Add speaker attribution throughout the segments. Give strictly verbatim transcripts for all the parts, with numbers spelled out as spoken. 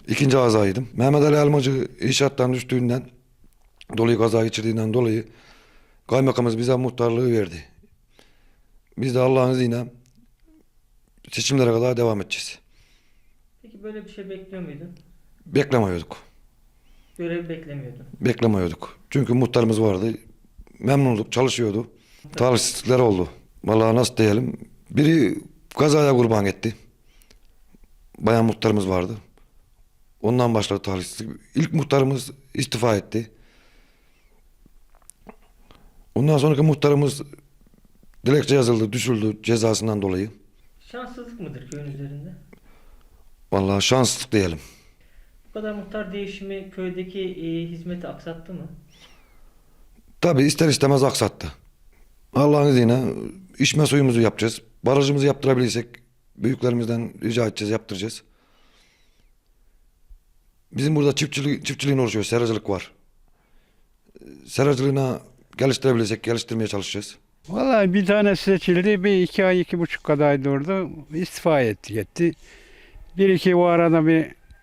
Speaker 1: İkinci kazaydım. Mehmet Ali Elmacı inşaattan düştüğünden dolayı kaza geçirdiğinden dolayı kaymakamımız bize muhtarlığı verdi. Biz de Allah'ın izniyle seçimlere kadar devam edeceğiz.
Speaker 2: Peki böyle bir şey bekliyor muydun?
Speaker 1: Beklemiyorduk.
Speaker 2: Görev beklemiyordun.
Speaker 1: Beklemiyorduk. Çünkü muhtarımız vardı. Memnunduk, çalışıyordu. Talihsizlikler oldu. Vallahi nasıl diyelim. Biri kazaya kurban etti. Bayan muhtarımız vardı. Ondan başladı talihsizlik. İlk muhtarımız istifa etti. Ondan sonraki muhtarımız dilekçe yazıldı, düşüldü cezasından dolayı.
Speaker 2: Şanssızlık mıdır köyün üzerinde?
Speaker 1: Vallahi şanssızlık diyelim.
Speaker 2: Bu kadar muhtar değişimi köydeki e, hizmeti aksattı mı?
Speaker 1: Tabii ister istemez aksattı. Allah'ın izniyle içme suyumuzu yapacağız. Barajımızı yaptırabilirsek büyüklerimizden rica edeceğiz, yaptıracağız. Bizim burada çiftçilik, çiftçiliğin oluşuyor, seracılık var. Seracılığına geliştirebilirsek geliştirmeye çalışacağız.
Speaker 3: Vallahi bir tane seçildi, bir iki ay, iki buçuk kadar durdu, istifa etti gitti. Bir iki o arada bir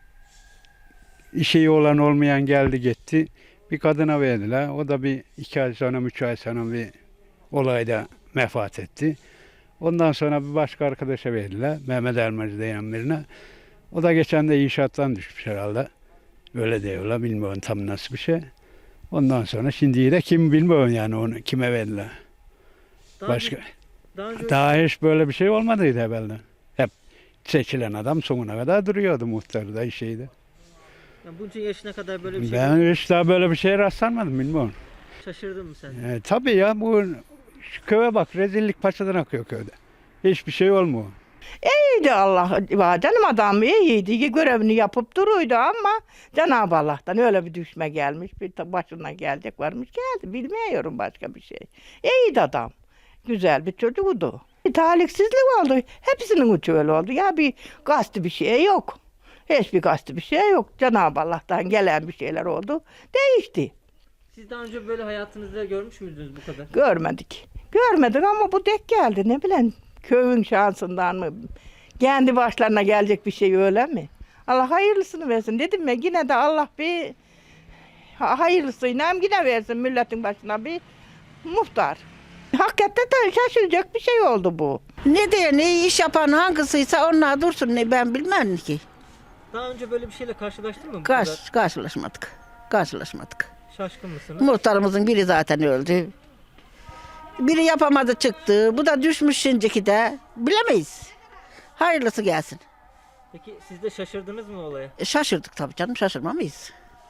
Speaker 3: işi olan olmayan geldi gitti. Bir kadına verdiler, o da bir iki ay sonra, üç ay sonra bir olayda vefat etti. Ondan sonra bir başka arkadaşa verdiler, Mehmet Elmacı diyen birine. O da geçen de inşaattan düşmüş herhalde. Öyle diyorlar, bilmiyorum tam nasıl bir şey. Ondan sonra şimdiyi de kim bilmiyorum yani onu kime verdiler.
Speaker 2: Daha
Speaker 3: Başka.
Speaker 2: önce, daha önce
Speaker 3: Daha hiç böyle bir şey olmadıydı evvelden. Hep seçilen adam sonuna kadar duruyordu muhtarda şeyde.
Speaker 2: yani bunca yaşına kadar böyle bir şey
Speaker 3: Ben hiç daha böyle bir şeye rastlanmadım bilmiyorum.
Speaker 2: şaşırdın mı sen?
Speaker 3: E, tabii ya bu şu köye bak rezillik paçadan akıyor köyde. Hiçbir şey olmuyor.
Speaker 4: İyiydi Allah var canım adam iyiydi görevini yapıp duruyordu ama Cenab-ı Allah'tan öyle bir düşme gelmiş bir ta- başına gelecek varmış geldi bilmiyorum başka bir şey. İyiydi adam güzel bir çocuktu. Bir talihsizlik oldu hepsinin uçu öyle oldu ya bir kastı bir şey yok. Hiçbir kastı bir şey yok Cenab-ı Allah'tan gelen bir şeyler oldu değişti.
Speaker 2: Siz daha önce böyle hayatınızda görmüş müydünüz bu kadar?
Speaker 4: Görmedik. Görmedik ama bu dek geldi ne bileyim köyün şansından mı? Kendi başlarına gelecek bir şey öyle mi? Allah hayırlısını versin. Dedim ya yine de Allah bir ha- hayırlısıyla yine versin milletin başına bir muhtar. Hakikaten de şaşıracak bir şey oldu bu.
Speaker 5: Ne diye ne iş yapan hangisiyse onlar dursun ne ben bilmem ki.
Speaker 2: Daha önce böyle bir şeyle karşılaştın mı bu kadar?
Speaker 5: Karş, karşılaşmadık. Karşılaşmadık.
Speaker 2: Şaşkın mısınız?
Speaker 5: Muhtarımızın biri zaten öldü. Biri yapamadı çıktı. Bu da düşmüş şimdiki de. Bilemeyiz. Hayırlısı gelsin.
Speaker 2: Peki siz de şaşırdınız mı olaya?
Speaker 5: E, şaşırdık tabii canım şaşırmamayız.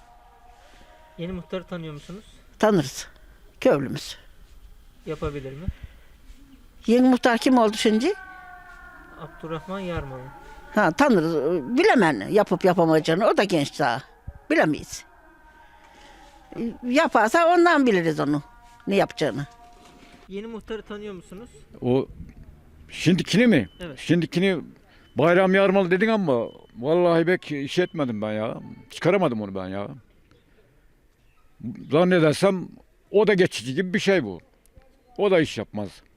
Speaker 2: Yeni muhtarı tanıyor musunuz?
Speaker 5: Tanırız. Köylümüz.
Speaker 2: Yapabilir mi?
Speaker 5: Yeni muhtar kim oldu şimdi?
Speaker 2: Abdurrahman Yarmalı.
Speaker 5: Ha tanırız. Bilemem yapıp yapamayacağını. O da genç daha. Bilemeyiz. E, Yaparsa ondan biliriz onu. Ne yapacağını.
Speaker 2: Yeni muhtarı tanıyor musunuz?
Speaker 6: O şimdikini mi?
Speaker 2: Evet.
Speaker 6: Şimdikini Bayram Yarmalı dedin ama vallahi pek iş etmedim ben ya. Çıkaramadım onu ben ya. Zannedersem o da geçici gibi bir şey bu. O da iş yapmaz.